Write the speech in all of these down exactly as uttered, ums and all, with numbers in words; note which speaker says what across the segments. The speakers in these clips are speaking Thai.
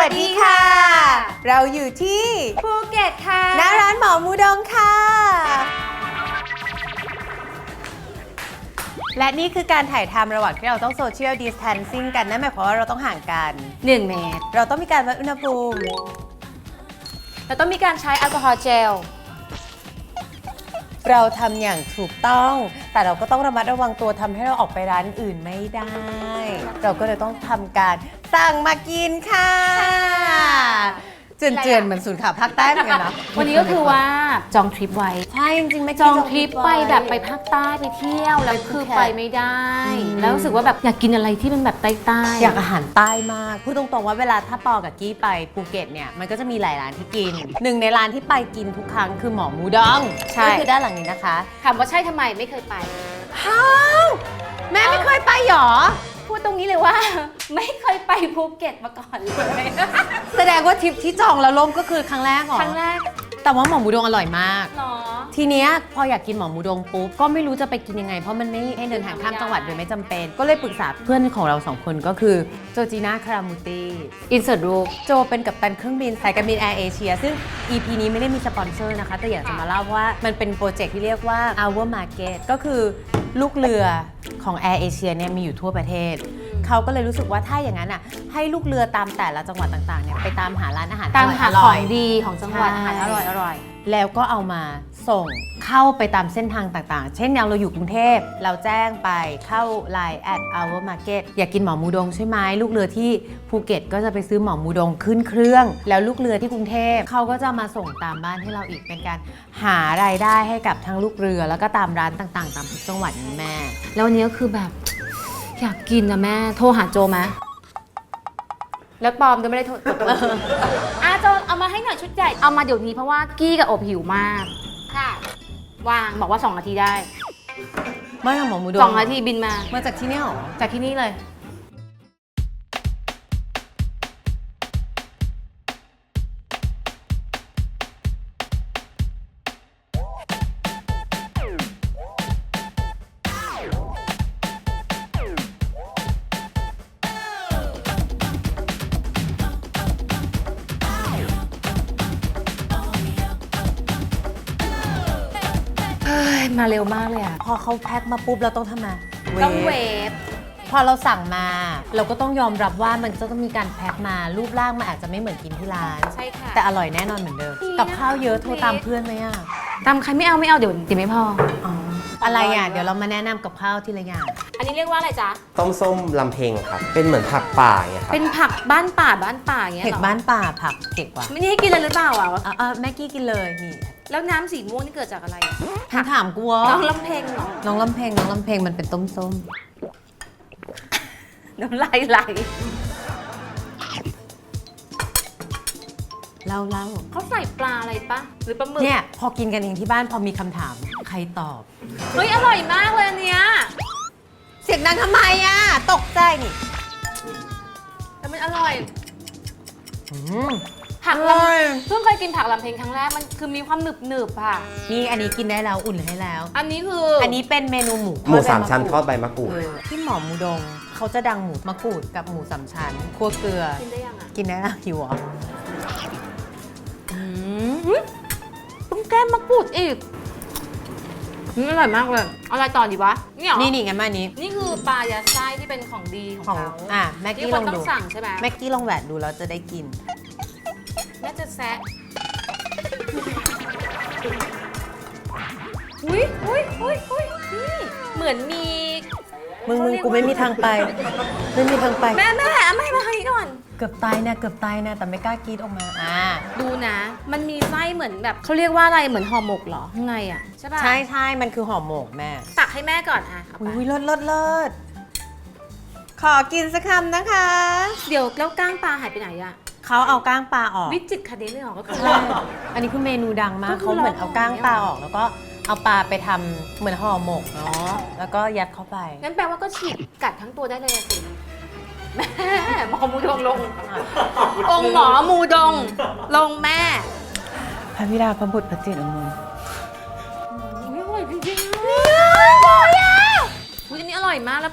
Speaker 1: วัสดีค่ะเราอยู่ที่
Speaker 2: ภูเก็ตค่ะ
Speaker 1: หน้าร้านหมอมูดงค่ะและนี่คือการถ่ายทำระหว่างที่เราต้องโซเชียลดิสแทนซิ่งกันนั่นหมายความว่าเราต้องห่างกัน
Speaker 2: หนึ่งเมตร
Speaker 1: เราต้องมีการวัดอุณหภูมิ
Speaker 2: เราต้องมีการใช้แอลกอฮอล์เจล
Speaker 1: เราทำอย่างถูกต้องแต่เราก็ต้องระมัดระวังตัวทำให้เราออกไปร้านอื่นไม่ได้เราก็เลยต้องทำการสั่งมากินค่ะเจือนๆเหมือนศูนย์ข่าวภาคใต้เหมือนกันนะ
Speaker 2: วันนี้ก็คือว่าจองทริปไว้
Speaker 1: ใช่จริงๆไม่
Speaker 2: จองทริปไปแบบไปภาคใต้ไปเที่ยวแล้วคือไปไม่ได้แล้วรู้สึกว่าแบบอยากกินอะไรที่เป็นแบบใต้ๆ
Speaker 1: อยากอาหารใต้มากพูดตรงๆว่าเวลาถ้าปอกับกี้ไปภูเก็ตเนี่ยมันก็จะมีหลายร้านที่กินหนึ่งในร้านที่ไปกินทุกครั้งคือหมอมูดองก็คือด้านหลังนี้นะคะ
Speaker 2: ถามว่าใช่ทำไมไม่เคยไป
Speaker 1: ฮ้าวแม่ไม่เคยไปหรอ
Speaker 2: พูดตรงนี้เลยว่าไม่เคยไปภูเก็ตมาก่อนเลย
Speaker 1: แสดงว่าทริปที่จองแล้วล่มก็คือครั้งแรกเหรอ
Speaker 2: ครั้งแรก
Speaker 1: แต่ว่าหมอมูดงอร่อยมาก
Speaker 2: หรอ
Speaker 1: ทีเนี้ยพออยากกินหมอมูดงปุ๊บก็ไม่รู้จะไปกินยังไงเพราะมันไม่ให้เดินทางข้ามจังหวัดโดยไม่จำเป็นก็เลยปรึกษาเพื่อนของเราสองคนก็คือโจจีน่าคารามูตี
Speaker 2: อินเสิร์ตรูป
Speaker 1: โจเป็นกัปตันเครื่องบินสายการบินแอร์เอเชียซึ่ง อี พี นี้ไม่ได้มีสปอนเซอร์นะคะแต่อยากจะมาเล่าว่ามันเป็นโปรเจกต์ที่เรียกว่า our market ก็คือลูกเรือของ Air Asia เนี่ยมีอยู่ทั่วประเทศเขาก็เลยรู้สึกว่าถ้าอย่างนั้นอ่ะให้ลูกเรือตามแต่ละจังหวัดต่างๆเนี่ยไปตามหาร้านอาหาร
Speaker 2: ตามหาของดีของจังหวัดอาหารอร่อยอร่อย
Speaker 1: แล้วก็เอามาส่งเข้าไปตามเส้นทางต่างๆเช่นอย่างเราอยู่กรุงเทพเราแจ้งไปเข้า ไลน์ แอท our market อยากกินหมอมูดงใช่ไหมลูกเรือที่ภูเก็ตก็จะไปซื้อหมอมูดงขึ้นเครื่องแล้วลูกเรือที่กรุงเทพเขาก็จะมาส่งตามบ้านให้เราอีกเป็นการหารายได้ให้กับทั้งลูกเรือแล้วก็ตามร้านต่างๆตามทุกจังหวัดนี้แม่
Speaker 2: แล้ววันนี้ก็คือแบบอยากกินนะแม่โทรหาโจไหมแล้วปอมก็ไม่ได้โทรอาโจเอามาให้หน่อยชุดใหญ่เอามาเดี๋ยวนี้เพราะว่ากี้กับอบหิวมากค่ะวางบอกว่าสองนาทีได้
Speaker 1: มาทำหมอมูดง
Speaker 2: สองนาทีบินมา
Speaker 1: มาจากที่นี่หรอ
Speaker 2: จากที่นี่เลยมาเร็วมากเลยอ่ะ
Speaker 1: พอเขาแพ็คมาปุ๊บเราต้องทำไง
Speaker 2: ต้องเวฟ
Speaker 1: พอเราสั่งมาเราก็ต้องยอมรับว่ามันจะต้องมีการแพ็คมารูปร่างมันอาจจะไม่เหมือนกินที่ร้าน
Speaker 2: ใช่ค่ะ
Speaker 1: แต่อร่อยแน่นอนเหมือนเดิมกับข้าวเยอะโทรตามเพื่อนไหมอ่ะ
Speaker 2: ตามใครไม่เอาไม่เอาเดี๋ยวเดี๋ยวไม่พอ
Speaker 1: อ๋ออะไรอ่ะเดี๋ยวเรามาแนะนำกับข้าวทีละอย่าง
Speaker 2: อันนี้เรียกว่าอะไรจ๊ะ
Speaker 3: ต้มส้มลำเพ็งครับเป็นเหมือนผักป่าอย่างเงี้ยครับ
Speaker 2: เป็นผักบ้านป่าบ้านป่าอย่างเงี้ย
Speaker 1: เผ็ดบ้านป่าผักเผ็ดกว่า
Speaker 2: ไม่ได้ให้กินเลยหรือเปล่าอ่ะ
Speaker 1: เออแม่กี้กินเลยนี่
Speaker 2: แล้วน้ำสีม่วงนี่เกิดจากอะไร
Speaker 1: ผักถามกูวะ
Speaker 2: น้องลำเพ็งเหรอ
Speaker 1: น้องลำเพ็งน้องลำเพ็งมันเป็นต้มส้ม
Speaker 2: น้ำลายไหล
Speaker 1: เล่าเล่า
Speaker 2: เขาใส่ปลาอะไรปะหรือปลาหมึก
Speaker 1: เนี่ยพอกินกันเองที่บ้านพอมีคำถามใครตอบ
Speaker 2: เฮ้ยอร่อยมากเลยเนี้ย
Speaker 1: เสียงดังทำไมอ่ะตกใจนี่
Speaker 2: แต่มันอร่อย
Speaker 1: ผัก
Speaker 2: ลำเพิ่งเคยกินผักลำเพ็งครั้งแรกมันคือมีความหนึบหนึบค่ะ
Speaker 1: นี่อันนี้กินได้แล้วอุ่นให้แล้ว
Speaker 2: อันนี้คือ
Speaker 1: อันนี้เป็นเมนูหมู
Speaker 3: หมูสามชั้นทอดใบมะกรูด
Speaker 1: ที่หมอมูดงเขาจะดังหมูมะกรูดกับหมูสามชั้นคั่วเกลือ
Speaker 2: กินได้ยังอ่ะ
Speaker 1: กินได้แล้วหิวอ่ะ
Speaker 2: ต้องแก้มมะกรูดอีกนี่อร่อยมากเลยอะไรต่อดีวะนี่หรอ
Speaker 1: นี่นี่งั้นมานี้
Speaker 2: นี่คือปลายัดไส้ที่เป็นของดีของเขา
Speaker 1: อ่ะแม็กกี้ลองดู
Speaker 2: สั่งใช่ไหม
Speaker 1: แม็กกี้ลองแหวกดูแล้วจะได้กิน
Speaker 2: แม่จะแซะอุ้ยอุ้ยอุ้ยอุ้ยนี่เหมือนมี
Speaker 1: มึงมึงกูไม่มีทางไปไม่มีทางไป
Speaker 2: แม่แม่ไม่มาทางนี้ก่อน
Speaker 1: เกือบตายนะเกือบตายนะแต่ไม่กล้ากรีดออกมาอ่า
Speaker 2: ดูนะมันมีไส้เหมือนแบบเขาเรียกว่าอะไรเหมือนห่อหมกเหรอข้างในอ่ะใช่ป่ะ
Speaker 1: ใช่ใช่มันคือห่อหมกแม่
Speaker 2: ตักให้แม่ก่อนอ่ะ
Speaker 1: อุ้ยเลิศเลิศเลิศขอกินสักคำนะคะ
Speaker 2: เดี๋ยวแล้วก้างปลาหายไปไหนอ่ะ
Speaker 1: เขาเอาก้างปลาออก
Speaker 2: วิจิตรคดีเลยหรอก็คือ
Speaker 1: อันนี้คือเมนูดังมากเขาเหมือนเอาก้างปลาออกแล้วก็เอาปลาไปทำเหมือนห่อหมกเนาะแล้วก็ยัดเข้าไป
Speaker 2: งั้นแปลว่าก็ฉีกกัดทั้งตัวได้เลยสิแม่หมอมูดงลงองค์หมอมูดงลงแม่
Speaker 1: พระบิดาพระบุตรพระจิตรอมร
Speaker 2: ไม่อร่อยจริงๆเนี่ยอร่อยอ่ะอันนี้อร่อยมากแล้ว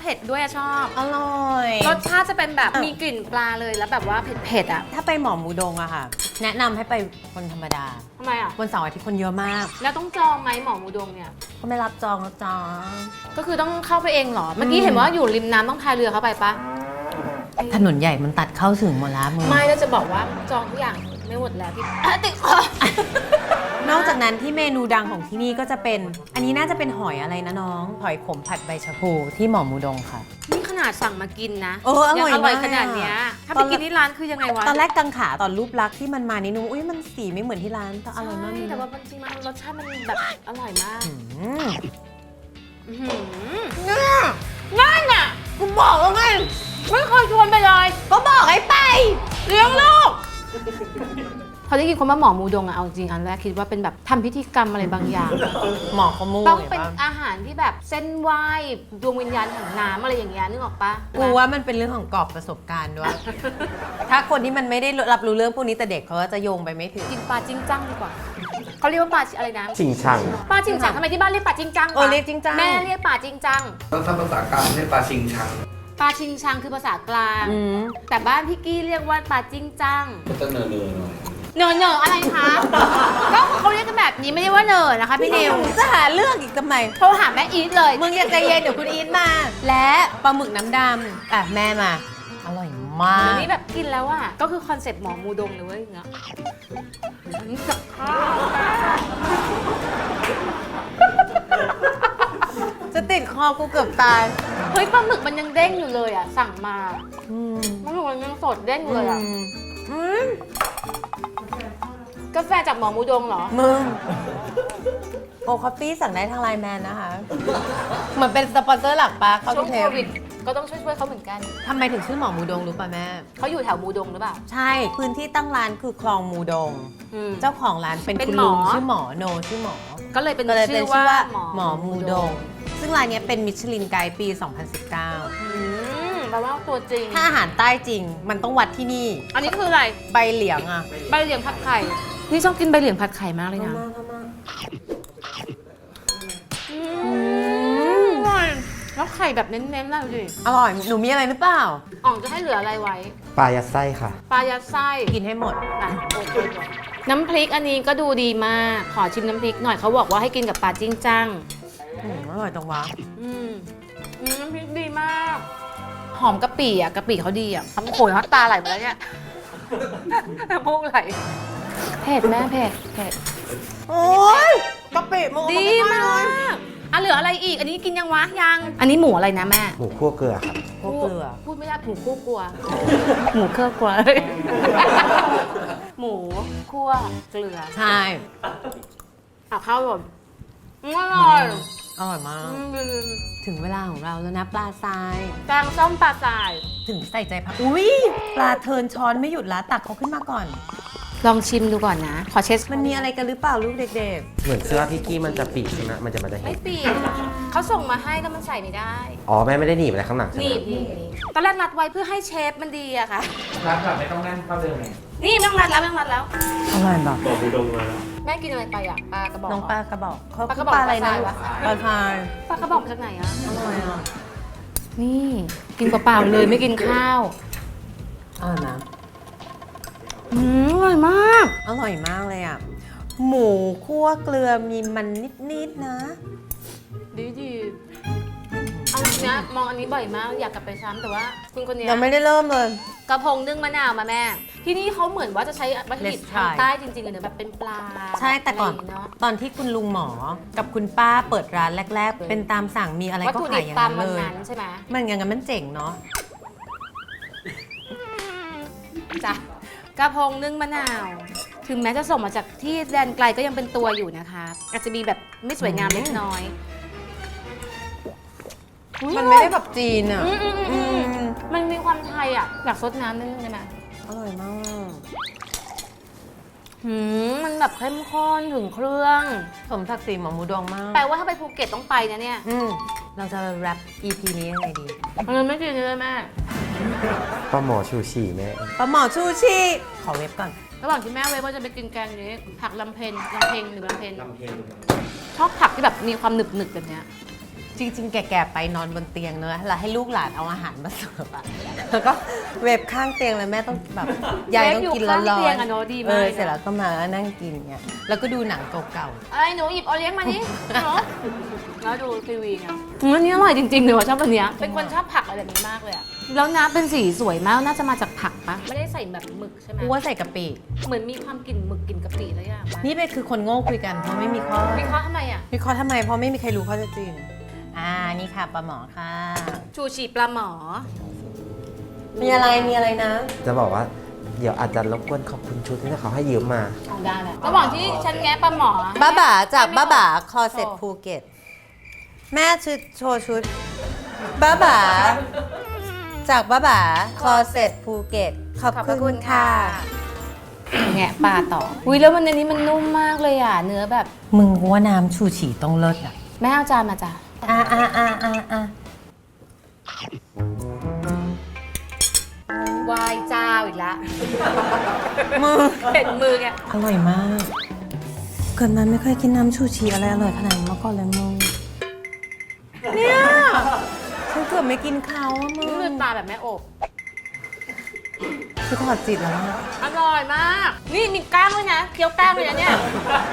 Speaker 2: ผ็ดด้วยอะชอบ
Speaker 1: อร่อย
Speaker 2: รสชาติจะเป็นแบบมีกลิ่นปลาเลยแล้วแบบว่าเผ็ดๆอ่ะ
Speaker 1: ถ้าไปหมอหมูดงอะค่ะ แนะนำให้ไปคนธรรมดา
Speaker 2: ทำไมอ่ะ
Speaker 1: วันเสาร์อาทิตย์คนเยอะมาก
Speaker 2: แล้วต้องจองไหมหมอหมูดงเนี่ย
Speaker 1: ก็ไม่รับจองนะจ๊ะ
Speaker 2: ก็คือต้องเข้าไปเองเหรอ เมื่อกี้เห็นว่าอยู่ริมน้ำต้องพายเรือเข้าไปปะ
Speaker 1: ถนนใหญ่มันตัดเข้าถึงหมดแล้วมึง
Speaker 2: ไม่แล้วจะบอกว่าจองทุกอย่างไม่หมดแล้วพี่อ่ะติดคอน
Speaker 1: อกจากนั้นที่เมนูดังของที่นี่ก็จะเป็น อันนี้น่าจะเป็นหอยอะไรนะน้อง หอยขมผัดใบชะพูที่หมอหมูดงค่ะ
Speaker 2: นี่ขนาดสั่งมากินนะ
Speaker 1: เอออร่อย
Speaker 2: งอร่อย
Speaker 1: มาก
Speaker 2: ขนาดเนี้ยถ้า
Speaker 1: ต
Speaker 2: ไป
Speaker 1: อน
Speaker 2: กินที่ร้านคือยังไงวะ
Speaker 1: ตอนแรกกังขาตอนรูปลักษณ์ที่มันมานี่นึกว่าอุ้ยมันสีไม่เหมือนที่ร้านแต่อร่อยมาก
Speaker 2: ใช่
Speaker 1: เลย
Speaker 2: แต่
Speaker 1: นะ
Speaker 2: ว่าจริงๆมันรสชาติมันแบบอร่อยมาก
Speaker 1: อืม
Speaker 2: อื้อหือเนี่ยนั่นน่ะกูบอกแล้วไงไม่เคยชวนไปเลย
Speaker 1: ก็บอกให้ไป
Speaker 2: เลี้ยงลูกพอได้ยินคำว่าหมอมูดงอะเอาจริงอันแรกคิดว่าเป็นแบบทำพิธีกรรมอะไรบางอย่าง
Speaker 1: หมอขมู
Speaker 2: ต้อง
Speaker 1: ห็
Speaker 2: เป็น
Speaker 1: ปะ
Speaker 2: อาหารที่แบบเส้นไหว้ดวงวิญญาณแห่งน้ำอะไรอย่างเงี้ยนึกออกปะ
Speaker 1: กูว่ามันเป็นเรื่องของกรอบประสบการณ์ด้วย ถ้าคนที่มันไม่ได้รับรู้เรื่องพวกนี้แต่เด็กเขาก็จะโยงไปไม่ถึง
Speaker 2: กินปลาจิ้งจังดีกว่าเขาเรียกว่าปลาอะไรนะ
Speaker 3: ชิงชัง
Speaker 2: ปลาจิ้งจังทำไมที่บ้านเรียกปลาจิ้งจัง
Speaker 1: เออเรียกจิ้งจัง
Speaker 2: แม่เรียกปลาจิ้งจัง
Speaker 4: ต้องทำภาษากลางเรียกปลาชิงชัง
Speaker 2: ปลาชิงชังคือภาษากลาง
Speaker 1: อืม
Speaker 2: แต่บ้านพี่กี้เรียกว่าปลาจิ้งจัง
Speaker 4: ก็จะเนอเนอหน่อย
Speaker 2: เนอเนออะไรคะ ก็เขาเรียกกันแบบนี้ไม่ได้ว่าเนอนะคะพี่นิว
Speaker 1: จะหาเรื่องอีกทำไม
Speaker 2: โทรหาแม่อีทเลย
Speaker 1: มึงอย่าใจเย็นเดี๋ยวคุณอีทมา และปลาหมึกน้ำดำอ่ะแม่มา อร่อยมา
Speaker 2: เดี๋ยว
Speaker 1: ก
Speaker 2: นี้แบบกินแล้วอ่ะก็คือคอนเซ็ปต์หมอมูดงเลยเว้ยอย่างเงี้ยอันนี้กับข้าว
Speaker 1: จะติดคอกูเกือบตาย
Speaker 2: เฮ้ยปลาหมึกมันยังเด้งอยู่เลยอ่ะสั่งมา
Speaker 1: อืม
Speaker 2: ปลาหมึกมันยังสดเด้งอยู่เลยอ่ะ
Speaker 1: อืม
Speaker 2: กาแฟจากหมอมูดงเหรอ
Speaker 1: มึงโอคอฟฟี่สั่งได้ทางไลน์แมนนะคะ เหมือนเป็นสปอนเซอร์หลักปะเข้า
Speaker 2: ช่ว
Speaker 1: ทุ
Speaker 2: ง
Speaker 1: กเท
Speaker 2: โค
Speaker 1: ป
Speaker 2: วิดก็ต้องช่วยๆเขาเหมือนกัน
Speaker 1: ทำไมถึงชื่อหมอมูดงรู้ป่ะแม่
Speaker 2: เขาอยู่แถวมูดงหรือเปล่า
Speaker 1: ใช่พื้นที่ตั้งร้านคือคลองมูดง
Speaker 2: อืม
Speaker 1: เจ้าของร้านเป็น
Speaker 2: เป็น
Speaker 1: คุณ
Speaker 2: หมอ
Speaker 1: ลุงชื่อหมอโนชื่อหมอ
Speaker 2: ก็เลยเป็น
Speaker 1: ก็เลยเป็
Speaker 2: ชื่
Speaker 1: น
Speaker 2: อ
Speaker 1: ชื่อ
Speaker 2: ว่า
Speaker 1: ว่าหมอมูดง ซึ่งร้านเนี้ยเป็นมิชลินไกด์ปี สองพันสิบเก้า
Speaker 2: อืมแปลว่าตัวจริง
Speaker 1: ถ้าอาหารใต้จริง มันต้องวัดที่นี่
Speaker 2: อันนี้คืออะไร
Speaker 1: ใบเหลียงอ่ะ
Speaker 2: ใบเหลียงผัดไข่ นี่ชอบกินใบเหลียงผัดไข่มากเลยนะอืมอร่อยแล้วไข่แบบเน้นๆเลยดูดิ
Speaker 1: อร่อย หนูมีอะไรหรือเปล่า
Speaker 2: อ่องจะให้เหลืออะไรไว้
Speaker 3: ปลายัดไส้ค่ะ
Speaker 2: ปลายัดไส้
Speaker 1: กินให้หมด
Speaker 2: อ่ะโอเคก่อนน้ำพริกอันนี้ก็ดูดีมาก ขอชิมน้ำพริกหน่อยเขาบอกว่าให้กินกับปลาจิ้งจัง
Speaker 1: อืมอร่อยจังวะ
Speaker 2: อืมอืมน้ำพริกดีมาก หอมกะปิอ่ะกะปิเขาดีอ่ะทำโขยเขาตาไหลมาแล้วเนี่ย น้ำมูกไหลเผ็ดแม่เผ็ดเผ็ด
Speaker 1: โอ้ยกะปิมึง
Speaker 2: ดีมากอ่ะเหลืออะไรอีก อันนี้กินยังวะยัง อันนี้หมูอะไรนะแม่
Speaker 3: หมูคั่วเกลือครับ
Speaker 1: พวกเกลือ
Speaker 2: พูดไม่ได้หมูคั่วกลัว หมูเครื่องกลัว หมูคั่วเกลือ
Speaker 1: ใช่
Speaker 2: อ่ะข้าวแบบอร่อย
Speaker 1: อร่อยมาก
Speaker 2: อืม
Speaker 1: ถึงเวลาของเราแล้วนะปลาทราย
Speaker 2: แกงส้มปลาสาย
Speaker 1: ถึงใส่ใจผักอุ้ยปลาเทินช้อนไม่หยุดละตักเขาขึ้นมาก่อน
Speaker 2: ลองชิมดูก่อนนะ ขอเช็ด
Speaker 1: มันมีอะไรกันหรือเปล่าลูกเด็ก
Speaker 3: เหมือนเสื้อพี่กี้มันจะปิดใช่ไหมมันจะมันจะเห็
Speaker 2: ไม่
Speaker 3: น
Speaker 2: เปียกเขาส่งมาให้แล้วมันใส่ไม่ได้
Speaker 3: อ๋อแม่ไม่ได้หนีบอะไรข้างหลังใช่ไห
Speaker 2: ห
Speaker 3: ม
Speaker 2: นีบหนีบหนีบตอนแรกรัดไว้เพื่อให้เชฟมันดีอะค่ะ
Speaker 4: ร้านแบบไม่ต้องนั่งเข้าเดิมไง
Speaker 2: นี่ไม่ต้องรัดแล้วไม่ต้องรัดแล้ว
Speaker 1: ๆอร่อยแบบ
Speaker 4: บอกบูดงมาแล้ว
Speaker 2: แม่กินอะไรไปอะปลากระบอก
Speaker 1: น้องปลากระบอกเขา
Speaker 2: ปลาก
Speaker 1: คื
Speaker 2: ระ
Speaker 1: อ
Speaker 2: บอก
Speaker 1: ปลาอะไรนะ
Speaker 2: ปลาทรายวะ
Speaker 1: ปลาทราย
Speaker 2: ปลากระบอกมาจากไหนอะ
Speaker 1: อร่อยอ่ะ
Speaker 2: นี่กินเปล่าๆเลยไม่กินข้าว
Speaker 1: อร่อยนะ
Speaker 2: อืมอร่อยมาก
Speaker 1: อร่อยมากเลยอ่ะหมูคั่วเกลือมีมันนิดๆนะ
Speaker 2: ดีดีเอาจริงนะมองอันนี้บ่อยมากอยากกลับไปซ้ำแต่ว่าคุณคนเนี้ย
Speaker 1: ยังไม่ได้เริ่มเลย
Speaker 2: กระพงนึ่งมะนาวมาแม่ ที่นี่เขาเหมือนว่าจะใช้วัตถุดิบ
Speaker 1: Let's
Speaker 2: ทาง
Speaker 1: try
Speaker 2: ใต้จริงๆเลยนะแบบเป็นปลา
Speaker 1: ใช่แต่ก่อน
Speaker 2: ะไรย่างเงี้ยเนาะ
Speaker 1: ตอนที่คุณลุงหมอกับคุณป้าเปิดร้านแรก ๆ เป็นตามสั่งมีอะไร
Speaker 2: วัต
Speaker 1: ก็
Speaker 2: ถุ
Speaker 1: ขา
Speaker 2: ดิ
Speaker 1: ย
Speaker 2: บ
Speaker 1: อย่าง
Speaker 2: ตาม
Speaker 1: นั้น
Speaker 2: วัน
Speaker 1: เลย
Speaker 2: นั้นใช่ไหม
Speaker 1: มันอย่างนั้นมันเจ๋งเนาะ
Speaker 2: จ้ะกระพงนึ่งมะนาว ถึงแม้จะส่งมาจากที่แดนไกลก็ยังเป็นตัวอยู่นะคะ อาจจะมีแบบไม่สวยงามเล็กน้อยอุ๊ย
Speaker 1: มันไม่ได้แบบจีนอ่ะ
Speaker 2: อืมอืมอืมอืม
Speaker 1: อืม
Speaker 2: มันมีความไทยอ่ะ อยากซดน้ำนิดนึงได้ไหม
Speaker 1: อร่อยมาก
Speaker 2: หืมมันแบบเข้มข้นถึงเครื่อง
Speaker 1: สมศักดิ์ศรีหมอหมูดองมาก
Speaker 2: แปลว่าถ้าไปภูเก็ตต้องไปนะเนี่ย
Speaker 1: อืมเราจะแรป อี พี นี้ยังไงดี
Speaker 2: มันไม่กินเลยแม่
Speaker 3: ปลาหมอชูชีแม่
Speaker 1: ปลาหมอชูชีขอเว็บก่อน
Speaker 2: ระหว่างที่แม่เว้ยว่าจะไปกินแกงนี้ผักลำเพนลำเพงหรือลำเพน
Speaker 4: ลำเพลง
Speaker 2: ชอบผักที่แบบมีความหนึบหนึบๆแบบเนี้ย
Speaker 1: จริง ๆ แก่ๆไปนอนบนเตียงเนอะแล้วให้ลูกหลานเอาอาหารมาเสิร์ฟอะแล้วก็เวฟข้างเตียงเลยแม่ต้องแบบยายต้องกินร้อน
Speaker 2: เวฟอยู่ข้างเตียง
Speaker 1: ๆ
Speaker 2: อะเนอะดีมาก
Speaker 1: เออ
Speaker 2: เลยนะ
Speaker 1: เสร็จแล้วก็มานั่งกินเงี้ยแล้วก็ดูหนังเก่า
Speaker 2: ไอ้หนูหยิบโอเลี้ยงมานี่หนูแล้วดูทีวีเนี่ยอืมอันนี้อร่อยจริงๆเลยว่ะชอบอันเนี้ยเป็นคนชอบผักอะไรแบบนี้มากเลยอะแล้วน้ำเป็นสีสวยมากน่าจะมาจากผักปะไม่ได้ใส่แบบหมึกใช่ไหม
Speaker 1: ๆกูว่าใส่กะปิ
Speaker 2: เหมือนมีความกลิ่นหมึกกลิ่นกะปิแล้วอย่างปะ
Speaker 1: นี่เป็นคือคนโง่คุยกันเพราะไม่มีข้อ
Speaker 2: วิเคราะห์ทำไมอะ
Speaker 1: วิเคราะห์ทำไมเพราะไม่มีใครรู้ข้อเท็จจริงอ่านี่ค่ะปลาหมอค่ะ
Speaker 2: ชูชีปลาหมอ
Speaker 1: มีอะไรมีอะไรนะ
Speaker 3: จะบอกว่าเดี๋ยวอาจจะรบกวนขอบคุณชุดที่เขาให้ยืมมา
Speaker 2: เอาได้แหละระหว่างที่ฉันแงะปลาหมอ
Speaker 1: บ้าบ่าจากบ้าบ่าคอเซ็ตภูเก็ตแม่ชุดโชว์ชุดบ้าบ่าจากบ้าบ่าคอเซ็ตภูเก็ตขอบ
Speaker 2: ขอบพระ
Speaker 1: คุ
Speaker 2: คุณ ณ
Speaker 1: ค่ะ
Speaker 2: ค่ะ แงะปลาต่ออุ้ยแล้วมันอันนี้มันนุ่มมากเลยอ่ะ เนื้อแบบ
Speaker 1: มึงว่าน้ำชูฉี่ต้องเลิศอ่ะ
Speaker 2: แม่เอาจานมาจ้ะ
Speaker 1: อ่าอ่าอ่าอ่าอ่าว
Speaker 2: ายเจ้าอีกแล้ว
Speaker 1: มึง
Speaker 2: เห็นมือแก
Speaker 1: อร่อยมากเกิดมาไม่เคยกินน้ำชูชีอะไรอร่อยขนาดนี้มาก่อนเลยมึงเนี่ยฉันเกือบไม่กินเขาอะมึง
Speaker 2: นี่คือปลาแบบแม่อบ
Speaker 1: คือถอดจิตแล้วอะ
Speaker 2: อร่อยมาก นี่มีก้างด้วยนะเคี้ยวก้างเลยนะเนี่ย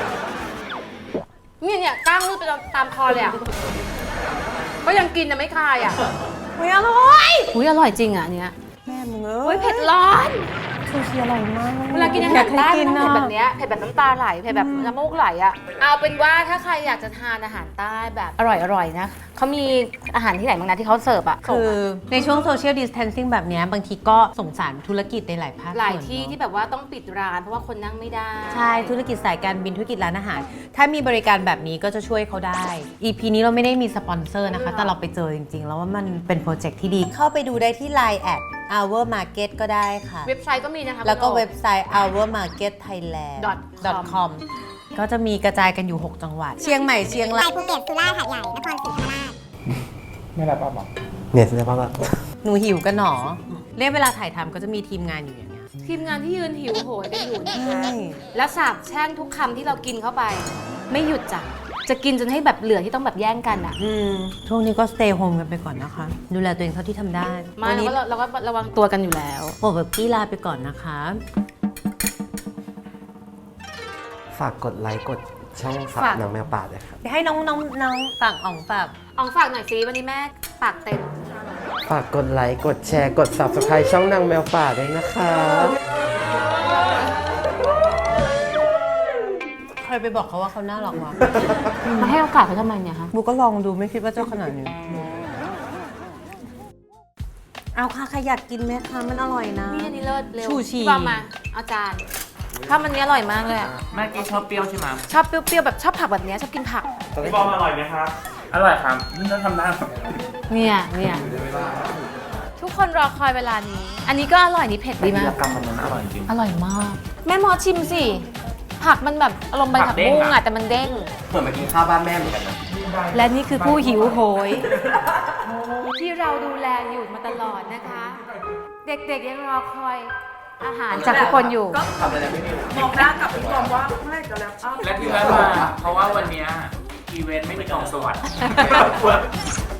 Speaker 2: นี่เนี่ยก้างรูดไปตามคอเลยอ่ะก็ยังกินนะไม่คายอ่ะ
Speaker 1: อุ๊ยอร่อย
Speaker 2: อุ้ยอร่อยจริงอ่ะอันเนี้ย
Speaker 1: แม่มึงเอ้
Speaker 2: อุ้ย
Speaker 1: ย
Speaker 2: เผ็ดร้อน
Speaker 1: ชูชีอร่อยมาก
Speaker 2: เวลากินอาหารใต้มันต้องเผ็ดแบบเนี้ยเผ็ดแบบน้ำตาไหลเผ็ดแบบน้ำมูกไหลอ่ะเอาเป็นว่าถ้าใครอยากจะทานอาหารใต้แบบอร่อยๆนะเขามีอาหารที่ไหนบ้างนะที่เขาเสิร์ฟอ่ะ
Speaker 1: คือในช่วงโซเชียลดิส a ทนซิ่งแบบเนี้ยบางทีก็สงสารธุรกิจในหลายภาค
Speaker 2: หลาย
Speaker 1: ส่วน
Speaker 2: ที่
Speaker 1: เนอะ
Speaker 2: ที่แบบว่าต้องปิดร้านเพราะว่าคนนั่งไม่ได้
Speaker 1: ใช่ธุรกิจสายการบินธุรกิจร้านอาหาร ถ้ามีบริการแบบนี้ก็จะช่วยเขาได้ อี พี นี้เราไม่ได้มีสปอนเซอร์นะคะ แต่เราไปเจอจริง ๆ แล้วว่ามันเป็นโปรเจกต์ที่ดี เข้าไปดูได้ที่ ไลน์ แอด our market ก็ได้ค่ะ
Speaker 2: เว็บไซต์ก็มีนะคะ
Speaker 1: แล้วก็
Speaker 2: คุณโอ
Speaker 1: เว็บไซต์ our market thailand
Speaker 2: dot
Speaker 1: com ก็จะมีกระจายกันอยู่ หก จังหวัด เชียงใหม่เชียงราย
Speaker 5: ภูเก็ตสุราษฎร์หาดใหญ่ นครศรีธรรมราช
Speaker 4: ไม่รับป้าบอก
Speaker 3: เนี่ยฉันจะบอกว่า
Speaker 1: หนูหิวกันหนอเรียกเวลาถ่ายทำก็จะมีทีมงานอยู่อย่างเงี้ย
Speaker 2: ทีมงานที่ยืนหิวโหยกันอยู่นะคะ
Speaker 1: ใช่
Speaker 2: และสาบแช่งทุกคำที่เรากินเข้าไป ไม่หยุดจ้ะจะกินจนให้แบบเหลือที่ต้องแบบแย่งกันอ่ะ
Speaker 1: อืมช่วงนี้ก็ stay home กันไปก่อนนะคะ ดูแลตัวเองเท่าที่ทำได้
Speaker 2: มา
Speaker 1: วัน
Speaker 2: เรา
Speaker 1: นี้
Speaker 2: ก็เราก็ระวังตัวกันอยู่แล้ว
Speaker 1: โปรแบบกี้ลาไปก่อนนะคะ
Speaker 3: ฝากกดไลค์กดช่องสับ
Speaker 2: ฝาก
Speaker 3: นางแมวป่าด้วยครับ
Speaker 1: ให้น้องน้องน้องฝั่งอ่องฝาก
Speaker 2: อองฝากหน่อยสิวันนี้แม่ปากเต็ม
Speaker 3: ฝากกดไลค์กดแชร์กด subscribe ช่องนางแมวป่าด้วยนะคะ
Speaker 1: ใครไปบอกเขาว่าเขาน่ารักวะ
Speaker 2: มาให้โอกาสเขาทำไมเนี่ยคะ
Speaker 1: บูก็ลองดูไม่คิดว่าจะขนาดนี้ เอาค่ะใครอยากกินไหมคะมันอร่อยนะ
Speaker 2: นี่อันนี้เลิศเร็ว
Speaker 1: ชูชี
Speaker 2: พี่บอมมาเอาจารย์ถ้ามันนี้อร่อยมากเลยอะ
Speaker 4: แม่กี้ชอบเปรี้ยวใช่ไหม
Speaker 2: ชอบเปรี้ยวๆแบบชอบผักแบบเนี้ยชอบกินผัก
Speaker 4: พี่บอมอร่อยไหมครับ อร่อยครับนี่จะทำได้ครับ
Speaker 2: เนี่ยเนี่ยทุกคนรอคอยเวลานี้ อันนี้ก็อร่อยนี่เผ็ดดีมาก
Speaker 4: กรรมมันนั้นอร่อยจริง
Speaker 2: อร่อยมาก แม่หมอชิมสิ ผักมันแบบอารมณ์ใบ
Speaker 4: ผั
Speaker 2: ผัก
Speaker 4: กเด้ง
Speaker 2: บุ้ง
Speaker 4: อะ
Speaker 2: อะแต่มันเด้ง
Speaker 3: เหมือนมากินข้าวบ้านแม่เหมือนกันนะ
Speaker 2: และนี่คือผู้หิวโหย ที่เราดูแลอยู่มาตลอดนะคะ เด็กๆยังรอคอยอาหารจากทุกคนอยู่
Speaker 4: ทำอะไรไม่ได้
Speaker 6: บอกหน้ากับพี่บอมว่าเมื่อไหร่จะแล้วอ้าว
Speaker 4: และที่แม่มา เพราะว่าวันเนี้ยอีเวนต์ไม่มีกล่องสวัสดิ์